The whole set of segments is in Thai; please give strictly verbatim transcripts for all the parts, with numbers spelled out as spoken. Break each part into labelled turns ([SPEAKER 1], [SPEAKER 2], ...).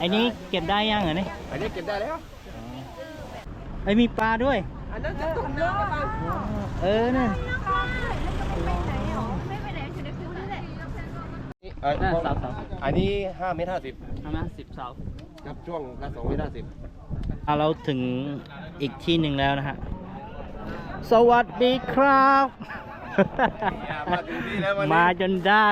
[SPEAKER 1] อ้นี้เก็บได้ยังเหรอเนี่ย
[SPEAKER 2] อันนี้เก็บได้แล้ว
[SPEAKER 1] ไอ้มีปลาด้วย
[SPEAKER 3] อันนั้นจะตุ่มเนื้อป่ะ
[SPEAKER 1] เออนั่น
[SPEAKER 2] อันนี้ห้าเมตรห้าสิบ
[SPEAKER 1] ห้าเมตรสิบเสา
[SPEAKER 2] ครับช่วงละสองเมตรห้าสิบ
[SPEAKER 1] เราถึงอีกที่หนึ่งแล้วนะฮะสวัสดีครับมาจนได้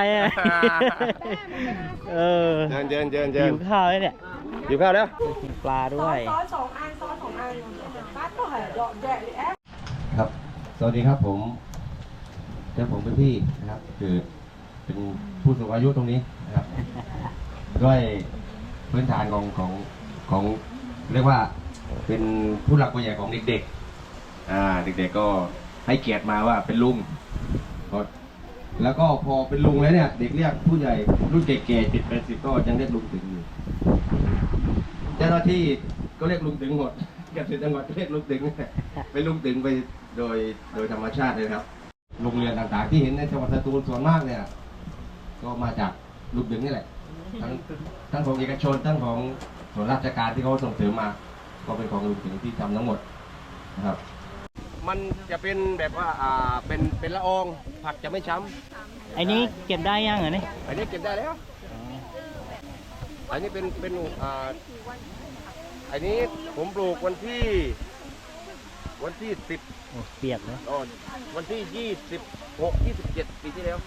[SPEAKER 1] เออ
[SPEAKER 2] เดินเดินเดินเดิน
[SPEAKER 1] หิวข้าวแล้วเนี่ย
[SPEAKER 2] หิวข้าวแล้ว
[SPEAKER 1] มีปลาด้วย
[SPEAKER 3] ซอสสองอันซอสสองอันปลาตัวใหญ่ดอกแดะเลยแอ๊ะ
[SPEAKER 2] ครับสวัสดีครับผมเจ้าผมเป็นพี่นะครับคือเป็นผู้สูงอายุตรงนี้นะครับด้วยพื้นฐานของของของเรียกว่าเป็นผู้หลักผู้ใหญ่ของเด็กๆอ่าเด็กๆก็ให้เกียรติมาว่าเป็นลุงแล้วก็พอเป็นลุงแล้วเนี่ยเด็กเรียกผู้ใหญ่รุ่นแก่ๆเจ็ดแปดสิบก็ยังเรียกลุงถึงอยู่เจ้าหน้าที่ก็เรียกลุงถึงหมดเกือบสิบจังหวัดเรียกลุงถึงเป็นลุงถึงไปโดยโดยธรรมชาติเลยครับโรงเรียนต่างๆที่เห็นในจังหวัดสตูลส่วนมากเนี่ยก็มาจากลุงถึงนี่แหละทั้งทั้งของเอกชนทั้งของส่วนราชการที่เขาส่งเสริมมาก็เป็นของลุงถึงที่ทำทั้งหมดนะครับมันจะเป็นแบบว่าอ่าเป็นเป็นละอองผักจะไม่ช้
[SPEAKER 1] ำไอ้นี้เก็บได้ยังเหรอเนี่ย
[SPEAKER 2] อันนี้เก็บได้แล้วอันนี้เป็นเป็นอ่าอันนี้ผมปลูกวันที่วันที่สิบ
[SPEAKER 1] เปียกเลย
[SPEAKER 2] วันที่ยี่สิบหกยี่สิบเจ็ดปีที่แล้ว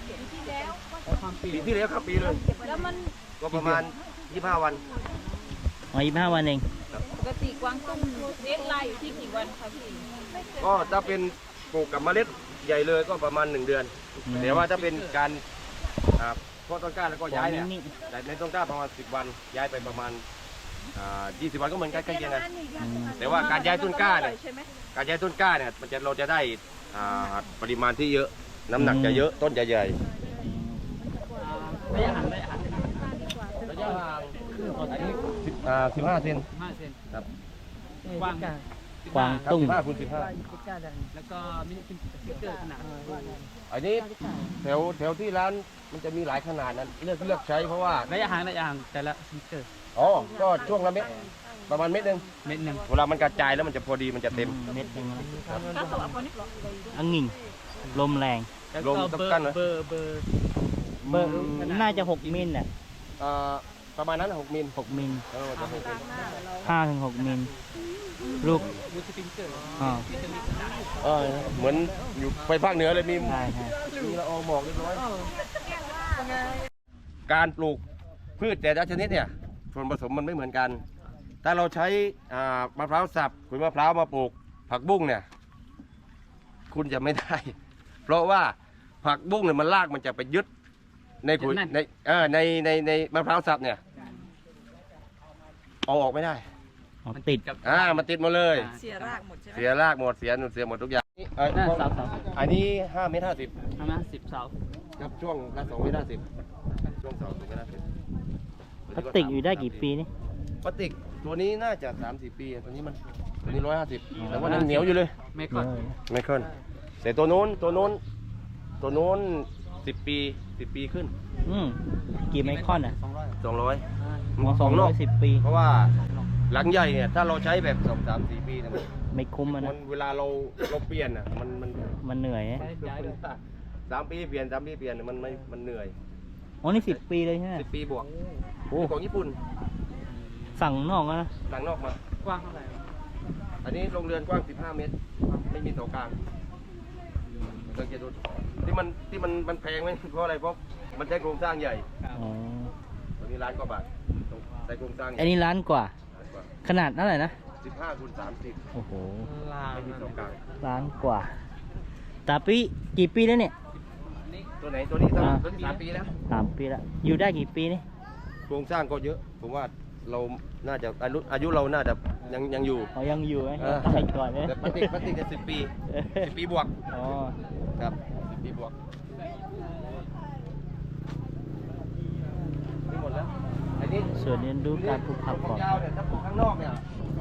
[SPEAKER 2] ปีที่แล้วครับปีเลยแล้วมันก็ประมาณยี่สิบห้าวัน
[SPEAKER 1] อ๋อยี่สิบห้าวันเอง
[SPEAKER 3] ปกติกวางตุ้งเลี้ยงลายอยู่ที่กี่วันครับพี่
[SPEAKER 2] ก็ถ้าเป็นปลูกกับเมล็ดใหญ่เลยก็ประมาณหนึ่งเดือนแต่ว่าถ้าเป็นการเพาะต้นกล้าแล้วก็ย้ายเนี่ยในต้นกล้าประมาณสิบวันย้ายไปประมาณยี่สิบวันก็เหมือนกันใกล้เคียงกันแต่ว่าการย้ายต้นกล้าเนี่ยการย้ายต้นกล้าเนี่ยมันจะเราจะได้ปริมาณที่เยอะน้ำหนักจะเยอะต้นจะใหญ่
[SPEAKER 1] ระยะห่างระยะห่าง
[SPEAKER 2] ระยะห่างอันนี้สิบอ่าสิบห้าเซนครับ
[SPEAKER 1] กว้างกว้างตุ้ง
[SPEAKER 2] สิบห้าคูณสิบห้า
[SPEAKER 1] แล้วก็มีสติ๊กเกอร์ขนาด
[SPEAKER 2] อันนี้แถวแถวที่ร้านมันจะมีหลายขนาดนั้นเลือกเลือกใช้เพราะว่า
[SPEAKER 1] ระยะห่างระยะห่างแต่ละสติ๊กเกอร์
[SPEAKER 2] อ๋อก็ช่วงละเม็ดประมาณเม็ดหนึ่ง
[SPEAKER 1] เม็ดหนึ่ง
[SPEAKER 2] เวลามันกระจายแล้วมันจะพอดีมันจะเต็ม
[SPEAKER 1] เม็ดหนึ่งอังงิ่งลมแรง
[SPEAKER 2] ลมต้องกั้นเลย
[SPEAKER 1] เบอร์เบอร์เบอร์น่าจะหกมิลน่ะ
[SPEAKER 2] ประมาณนั้นหกมิล
[SPEAKER 1] หกมิลห้าถึงหกมิลลูก
[SPEAKER 2] อ๋อเหมือนอยู่ไปภาคเหนือเลยมีมีละอองหมอกเรียบร้อยการปลูกพืชแต่ละชนิดเนี่ยส่วนผสมมันไม่เหมือนกันถ้าเราใช้มะพร้าวสับขุยมะพร้าวมาปลูกผักบุ้งเนี่ยคุณจะไม่ได้เพราะว่าผักบุ้งเนี่ยมันรากมันจะไปยึดในขุยในเออในในในมะพร้าวสับเนี่ยเอาออกไม่ได้
[SPEAKER 1] มันติดกับ
[SPEAKER 2] อ่ามันติดหมดเลย
[SPEAKER 3] เสียรากหมดใช่ไหม
[SPEAKER 2] เสียรากหมดเสียหนุนเสียหมดทุกอย่างอันนี้ห้าเมตรห้าสิบ
[SPEAKER 1] ห้าเมตรสิบเสา
[SPEAKER 2] ครับช่วงละสองเมตรห้าสิบช่วงเสาสองเมตรห้าสิบ
[SPEAKER 1] พลาสติกอยู่ได้กี่ปีนี่
[SPEAKER 2] พลาสติกตัวนี้น่าจะสามสี่ปีตัวนี้มันตัวนี้ร้อยห้าสิบแต่ว่ายังเหนียวอยู่เลย
[SPEAKER 1] ไม่ค่อน
[SPEAKER 2] ไม่ค่อนแต่ตัวโน้นตัวโน้นตัวโน้นสิบปีสิบปีขึ้น
[SPEAKER 1] อืมกี่ไมครอนอ่ะ
[SPEAKER 2] สองร้อย
[SPEAKER 1] สองร้อยสิบปี
[SPEAKER 2] เพราะว่าหลังใหญ่เนี่ยถ้าเราใช้แบบสองสามสี่ปีเนี่ย
[SPEAKER 1] ไม่คุ้มนะ
[SPEAKER 2] เวลาเราเราเปลี่ยนอ่ะมันมัน
[SPEAKER 1] มันเหนื่อย
[SPEAKER 2] สามปีเปลี่ยนสามปีเปลี่ยนมันไม่มันเหนื่อย
[SPEAKER 1] อ๋อนี่สิบปีเลยใช่ไหม
[SPEAKER 2] สิบปีบวกโอ้ของญี่ปุ่น
[SPEAKER 1] สั่งนอกนะ
[SPEAKER 2] สั่งนอกมาก
[SPEAKER 1] ว้างเท่าไหร่
[SPEAKER 2] อันนี้โรงเรือนกว้างสิบห้าเมตรไม่มีเสากลางสังเกตดูที่มันที่มันมันแพงไหมเพราะอะไรเพราะมันใช้โครงสร้างใหญ่ตัวนี้ล้านกว่าบาทใช้โครงสร้าง
[SPEAKER 1] อันนี้ล้านกว่าขนาดเท่าไหร่นะ
[SPEAKER 2] สิบห้าคูณสามสิบ
[SPEAKER 1] โอ้โห
[SPEAKER 2] ไม่มีเสากลาง
[SPEAKER 1] ล้านกว่าตาปีกี่ปีแล้วเนี่ย
[SPEAKER 2] ตัวไหนตัวนี้ตัวนี้สามปีแล้ว
[SPEAKER 1] สามปีแล้วอยู่ได้กี่ปีนี่
[SPEAKER 2] โครงสร้างก็เยอะผมว่าเราน่าจะอายุอายุเราน่าจะยังยังอยู่
[SPEAKER 1] เขายังอยู่ไหมใช่ก่อนเนี่ย
[SPEAKER 2] แต่ปฏิปฏิจะสิบปีสิบปีบวก
[SPEAKER 1] อ๋อ
[SPEAKER 2] ครับสิบปีบวกนี่หมดแล้วอันนี้
[SPEAKER 1] ส่วนเรียนรู้การปลูกผักก่อน
[SPEAKER 2] ยาวเนี่ยถ้าปลูกข้างนอกเนี่ย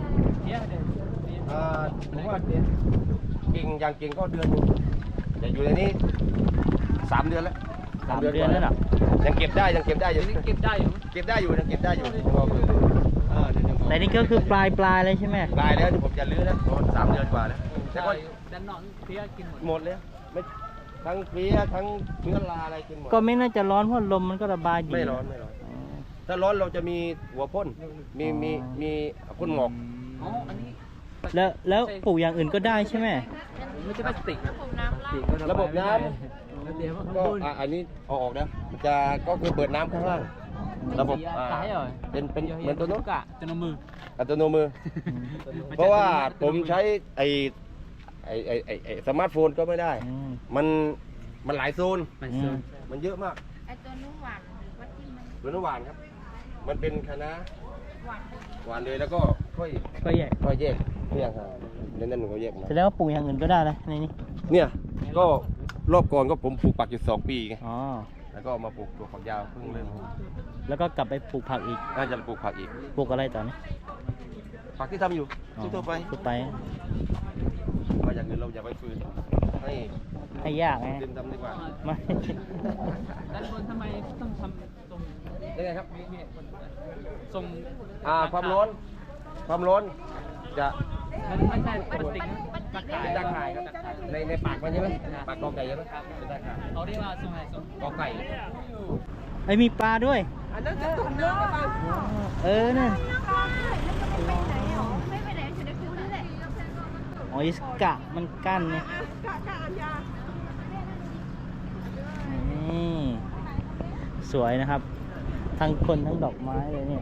[SPEAKER 2] ผมว่ากิ่งอย่างกิ่งก็เดือนนึงแต่อยู่ในนี้สามเดือนแล้ว
[SPEAKER 1] สามเดือนแล้วหรอ
[SPEAKER 2] ใยังเก็บได้ยังเก็บได้อยู่
[SPEAKER 4] เก็บได้อยู่
[SPEAKER 2] เก็บได้อยู่ยังเก็บได้อยู่เออเดี๋ยว
[SPEAKER 1] แต่นี่ก็คือปลายปลายเลยใช่ไหม
[SPEAKER 2] ตายแล้วที่ผมจะลื้อแล้วประมาณสามเดือนกว่าแล้วแต่ก็
[SPEAKER 4] ด้านนอกเพี้ยกินหมด
[SPEAKER 2] หมดเลยไม่ทั้งเพี้ยทั้งเชื้อราอะไรกินหมด
[SPEAKER 1] ก็ไม่น่าจะร้อนเพราะลมมันก็ระบายดี
[SPEAKER 2] ไม่ร้อนไม่ร้อน
[SPEAKER 1] อ๋อ
[SPEAKER 2] ถ้าร้อนเราจะมีหัวพ่นมีมี
[SPEAKER 1] อ๋อ
[SPEAKER 2] มีพ่นหมอก
[SPEAKER 4] อ๋ออันนี้
[SPEAKER 1] แล้วแล้วปลูกอย่างอื่นก็ได้ใช่ไหม
[SPEAKER 4] ไม่ใช่พลาสติก
[SPEAKER 2] ระบบน้
[SPEAKER 4] แล้วเดี๋ยวมัน
[SPEAKER 2] ำก็อ่ะอันนี้เอาออกนะมันจะก็คือเปิดน้ำข้างล่างระบบอ่า
[SPEAKER 4] ตายเหรอ
[SPEAKER 2] เป็นเป็นเหมือนตัวนู้น
[SPEAKER 4] กะจะนมือ
[SPEAKER 2] อัตโนมือ เพราะว่าผมใช้ไอไอไอไอไอสมาร์ทโฟนก็ไม่ได้
[SPEAKER 1] อืม
[SPEAKER 2] มันมันหลายโซน
[SPEAKER 4] ไปเซิร์ฟ
[SPEAKER 2] มันเยอะมาก
[SPEAKER 3] ไอตัวนุ่มหวานวัดที่มัน
[SPEAKER 2] หรือน้ำหวานครับ มันเป็นคณะ
[SPEAKER 3] หวาน
[SPEAKER 2] หวานเลยแล้วก็ค่อย
[SPEAKER 1] ก็แยก
[SPEAKER 2] ค่อยแยกเนี่ยครับนั่นนั่นหนูเขาแยกมา
[SPEAKER 1] แสดงว่าปลูกอย่างอื่นก็ได้เลยในนี้
[SPEAKER 2] เนี่ยก็รอบก่อนก็ผมปลูกปักอยู่สองปีไง
[SPEAKER 1] อ๋อ
[SPEAKER 2] แล้วก็มาปลูกตัวฝักยาวเพิ่งเริ่ม
[SPEAKER 1] แล้วก็กลับไปปลูกผักอีก
[SPEAKER 2] น่าจะปลูกผักอีก
[SPEAKER 1] ปลูกอะไรต่อนี้
[SPEAKER 2] ผักที่ทำอยู่
[SPEAKER 1] อ๋อ
[SPEAKER 2] ทั่วๆไป
[SPEAKER 1] ทั่วไป
[SPEAKER 2] ว่าอย่างอื่นเราอย่าไปฝืนให้
[SPEAKER 1] ให้ยากไง
[SPEAKER 2] เต็มทำดีกว่า
[SPEAKER 1] ไม่
[SPEAKER 4] ด้านบนทำไมต้องทำตรง
[SPEAKER 2] ยังไงครับ
[SPEAKER 4] ทรง
[SPEAKER 2] อ่าความร้อนความร้อนจะ
[SPEAKER 4] มันไม่ใช่พลาสติกนะตะข่าย
[SPEAKER 2] เป็นตาข่ายครับในในปากมันใช่ไหมปากกอไก่ใช่ไหมเป็นตาข่าย
[SPEAKER 4] เขาเรียกว่าทรงอะไรทรง
[SPEAKER 2] กอไก่
[SPEAKER 1] ไอ้ยมีปลาด้วย
[SPEAKER 3] อันนั้นจะตุ่มเนื้อป่ะ
[SPEAKER 1] เออนั่น
[SPEAKER 3] ไม่ไปไหนหรอไม่ไปไหนอยู่ในคิ้วนี่แหละ
[SPEAKER 1] อ๋ออิสกะมันกั้นไง
[SPEAKER 3] กะกะอันยา
[SPEAKER 1] นี่สวยนะครับ ทั้งคนทั้งดอกไม้เลยเนี่ย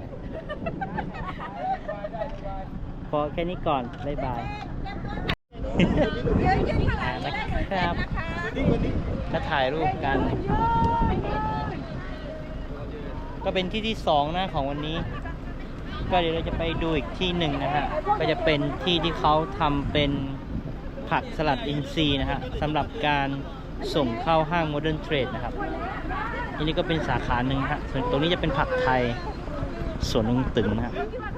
[SPEAKER 1] พอแค่นี้ก่อน บ๊ายบาย
[SPEAKER 3] เยอะๆเท่าไหร่
[SPEAKER 1] อ่า
[SPEAKER 3] ก็
[SPEAKER 1] นะ
[SPEAKER 3] ได้
[SPEAKER 1] ครับ
[SPEAKER 3] นะคะ
[SPEAKER 1] ก็ถ่ายรูปกัน ก็เป็นที่ที่สองนะของวันนี้ ก็เดี๋ยวเราจะไปดูอีกที่หนึ่งนะฮะ ก็จะเป็นที่ที่เขาทำเป็นผักสลัดอินทรีย์นะฮะสำหรับการส่งเข้าห้างโมเดิร์นเทรดนะครับอันนี้ก็เป็นสาขาหนึ่งฮะส่วนตรงนี้จะเป็นผักไทยสวนลุงตึงนะฮะ
[SPEAKER 3] ที่ว่า